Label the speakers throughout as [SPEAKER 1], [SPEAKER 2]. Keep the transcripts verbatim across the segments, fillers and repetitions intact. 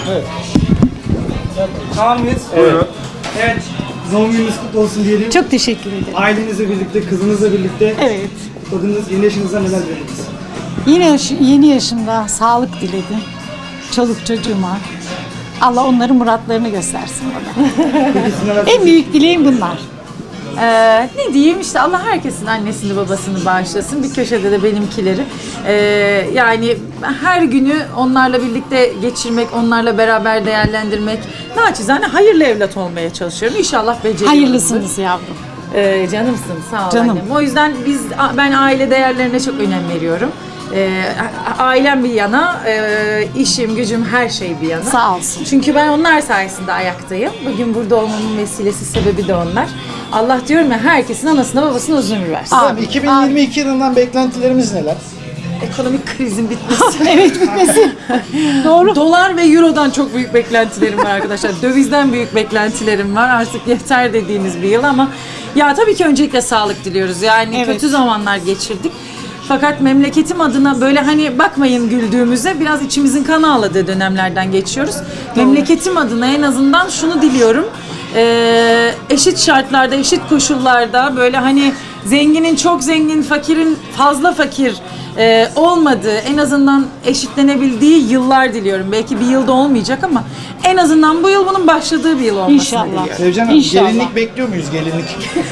[SPEAKER 1] Evet.
[SPEAKER 2] Tamam mıyız?
[SPEAKER 1] Evet.
[SPEAKER 2] Evet. Doğum gününüz kutlu olsun diyelim.
[SPEAKER 3] Çok teşekkür ederim.
[SPEAKER 2] Ailenizle birlikte, kızınızla birlikte
[SPEAKER 3] Evet.
[SPEAKER 2] kutladığınız yeni yaşınızda neler dilediniz?
[SPEAKER 3] Yeni, yaş- yeni yaşımda sağlık diledim. Çoluk çocuğuma. Allah onların muratlarını göstersin bana.
[SPEAKER 2] Peki siz neler
[SPEAKER 3] En büyük dileğim bunlar.
[SPEAKER 4] Ee, ne diyeyim işte Allah herkesin annesini babasını bağışlasın. Bir köşede de benimkileri. Ee, yani her günü onlarla birlikte geçirmek, onlarla beraber değerlendirmek. Naçizane hayırlı evlat olmaya çalışıyorum. İnşallah beceriyorum.
[SPEAKER 3] Hayırlısınız yavrum.
[SPEAKER 4] Ee, canımsın sağ ol
[SPEAKER 3] Canım.
[SPEAKER 4] annem. O yüzden biz ben aile değerlerine çok önem veriyorum. Ee, a- ailem bir yana, e, işim, gücüm her şey bir yana.
[SPEAKER 3] Sağ olsun.
[SPEAKER 4] Çünkü ben onlar sayesinde ayaktayım. Bugün burada olmamın vesilesi, sebebi de onlar. Allah diyorum ya herkesin anasına babasına uzun ömür versin.
[SPEAKER 3] Amin.
[SPEAKER 1] iki bin yirmi iki yılından beklentilerimiz neler?
[SPEAKER 4] Ekonomik krizin bitmesi.
[SPEAKER 3] Evet bitmesin. Doğru.
[SPEAKER 4] Dolar ve Euro'dan çok büyük beklentilerim var arkadaşlar. Dövizden büyük beklentilerim var. Artık yeter dediğimiz bir yıl ama ya tabii ki öncelikle sağlık diliyoruz. Yani
[SPEAKER 3] Evet.
[SPEAKER 4] kötü zamanlar geçirdik. Fakat memleketim adına böyle hani bakmayın güldüğümüze biraz içimizin kanı ağladığı dönemlerden geçiyoruz. Memleketim adına en azından şunu diliyorum. Ee, eşit şartlarda, eşit koşullarda böyle hani zenginin çok zengin, fakirin fazla fakir e, olmadığı, en azından eşitlenebildiği yıllar diliyorum. Belki bir yılda olmayacak ama en azından bu yıl bunun başladığı bir yıl olmasını
[SPEAKER 3] İnşallah.
[SPEAKER 4] diliyorum.
[SPEAKER 1] Sevcan Hanım,
[SPEAKER 3] İnşallah.
[SPEAKER 1] gelinlik bekliyor muyuz gelinlik?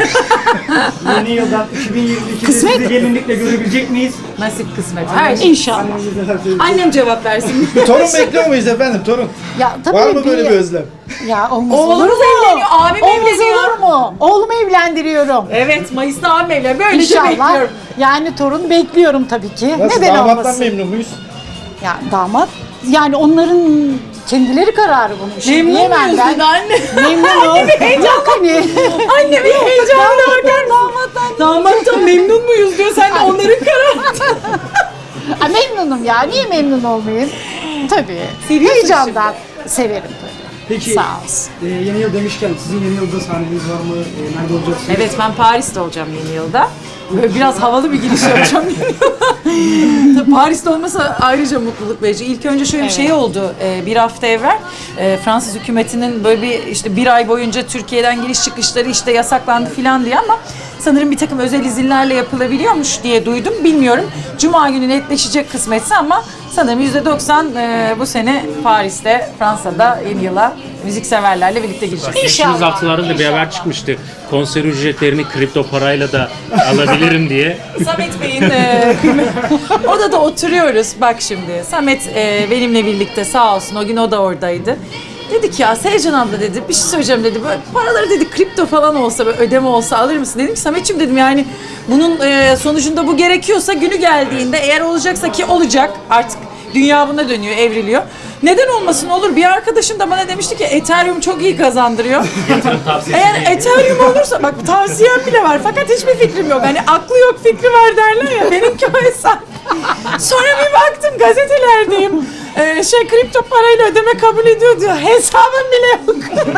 [SPEAKER 2] Yeni yıldan iki bin yirmi ikide
[SPEAKER 3] Kısmet.
[SPEAKER 2] sizi gelinlikle görebilecek miyiz?
[SPEAKER 4] Nasip kısmet. Her şey.
[SPEAKER 3] İnşallah.
[SPEAKER 2] Anneniz neler söyleyecek?
[SPEAKER 4] Annem cevap versin.
[SPEAKER 1] Torun bekliyor muyuz efendim torun?
[SPEAKER 3] Ya tabii
[SPEAKER 1] Var mı böyle bir özlem?
[SPEAKER 3] Ya olmaz
[SPEAKER 4] Oğlumuz
[SPEAKER 3] olur mu?
[SPEAKER 4] evleniyor, abim
[SPEAKER 3] Olmaz
[SPEAKER 4] evleniyor.
[SPEAKER 3] olur mu? Oğlumu evlendiriyorum.
[SPEAKER 4] Evet, Mayıs'ta abim evlen. Böylece
[SPEAKER 3] İnşallah.
[SPEAKER 4] bekliyorum.
[SPEAKER 3] Yani torun bekliyorum tabii ki.
[SPEAKER 1] Nasıl,
[SPEAKER 3] Neden
[SPEAKER 1] damattan
[SPEAKER 3] olmasın?
[SPEAKER 1] memnun muyuz?
[SPEAKER 3] Ya damat yani onların kendileri kararı bunun. Şimdi
[SPEAKER 4] Memnun
[SPEAKER 3] diyemem
[SPEAKER 4] muyuz
[SPEAKER 3] ben.
[SPEAKER 4] dedi anne?
[SPEAKER 3] Memnunum. Heyecan beni.
[SPEAKER 4] Anne bir heyecanla bakar damattan. Damattan memnun muyuz diyor. Sen de onların kararı.
[SPEAKER 3] Ha, memnunum ya. Niye memnun olmayayım? Tabii.
[SPEAKER 4] Seviyorsun
[SPEAKER 3] Heyecandan severim tabii.
[SPEAKER 2] Peki
[SPEAKER 3] Sağ olsun.
[SPEAKER 2] e, yeni yıl demişken sizin yeni yılda sahneniz var mı? E, nerede olacaksınız?
[SPEAKER 4] Evet, ben Paris'te olacağım yeni yılda. Böyle biraz havalı bir giriş yapacağım yeni yıla. Tabii Paris'te olmasa ayrıca mutluluk verici. İlk önce şöyle bir şey oldu. Ee, bir hafta evvel e, Fransız hükümetinin böyle bir işte bir ay boyunca Türkiye'den giriş çıkışları işte yasaklandı filan diye ama sanırım bir takım özel izinlerle yapılabiliyormuş diye duydum. Bilmiyorum. Cuma günü netleşecek kısmetse ama sanırım yüzde doksan e, bu sene Paris'te, Fransa'da yeni yıla müzikseverlerle birlikte gireceğiz.
[SPEAKER 5] Geçtiğimiz
[SPEAKER 3] İnşallah,
[SPEAKER 5] haftalarda da bir haber çıkmıştı. Konser ücretlerini kripto parayla da alabilirim diye.
[SPEAKER 4] Samet Bey'in e, odada oturuyoruz. Bak şimdi Samet e, benimle birlikte sağ olsun o gün o da oradaydı. Dedi ki ya Sevcan abla dedi bir şey söyleyeceğim dedi. Böyle paraları dedi kripto falan olsa böyle ödeme olsa alır mısın? Dedim ki Samet'ciğim dedim yani bunun e, sonucunda bu gerekiyorsa günü geldiğinde eğer olacaksa ki olacak artık dünya buna dönüyor evriliyor. Neden olmasın olur. Bir arkadaşım da bana demişti ki Ethereum çok iyi kazandırıyor.
[SPEAKER 5] Yatırım tavsiyesi
[SPEAKER 4] Eğer
[SPEAKER 5] değil.
[SPEAKER 4] Ethereum olursa bak tavsiyem bile var fakat hiçbir fikrim yok. Hani aklı yok fikri var derler ya benimki o hesap. Sonra bir baktım gazetelerdeyim. Ee, şey kripto parayla ödeme kabul ediyor diyor. Hesabım bile yok.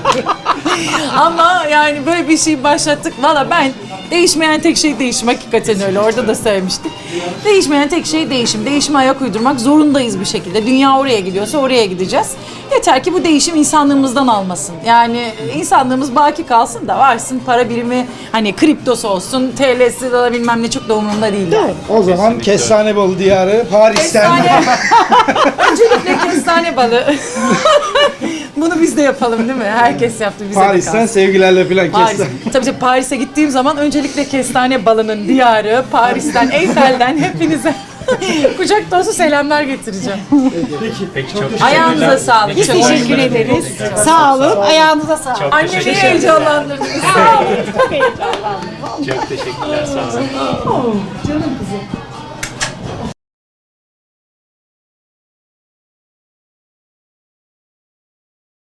[SPEAKER 4] Ama yani böyle bir şey başlattık. Valla ben değişmeyen tek şey değişim. Hakikaten öyle. Orada da söylemiştik. Değişmeyen tek şey değişim. Değişime ayak uydurmak zorundayız bir şekilde. Dünya oraya gidiyorsa oraya gideceğiz. Yeter ki bu değişim insanlığımızdan almasın. Yani insanlığımız baki kalsın da varsın para birimi hani kriptosu olsun, T L'si de bilmem ne çok da umurumda değil. Yani.
[SPEAKER 1] O zaman kestane balı diyarı Paris'ten.
[SPEAKER 4] Kestane. Öncelikle kestane balı. Bunu biz de yapalım değil mi? Herkes yaptı bize de
[SPEAKER 1] Paris'ten
[SPEAKER 4] kalsın.
[SPEAKER 1] sevgilerle filan
[SPEAKER 4] Paris.
[SPEAKER 1] kestane.
[SPEAKER 4] Tabii tabii Paris'e gittiğim zaman öncelikle kestane balının diyarı, Paris'ten, Eyfel'den hepinize kucak dolusu selamlar getireceğim.
[SPEAKER 2] Peki.
[SPEAKER 5] Peki çok
[SPEAKER 4] Ayağınıza
[SPEAKER 5] teşekkürler.
[SPEAKER 4] sağlık.
[SPEAKER 3] Biz
[SPEAKER 4] Çok
[SPEAKER 3] teşekkür ederiz. Sağ olun. Ayağınıza sağlık.
[SPEAKER 5] Çok
[SPEAKER 4] Annemi
[SPEAKER 5] teşekkürler.
[SPEAKER 4] heyecanlandırdınız. Sağ olun.
[SPEAKER 5] Çok teşekkürler. Sağ olun.
[SPEAKER 4] Canım kızım.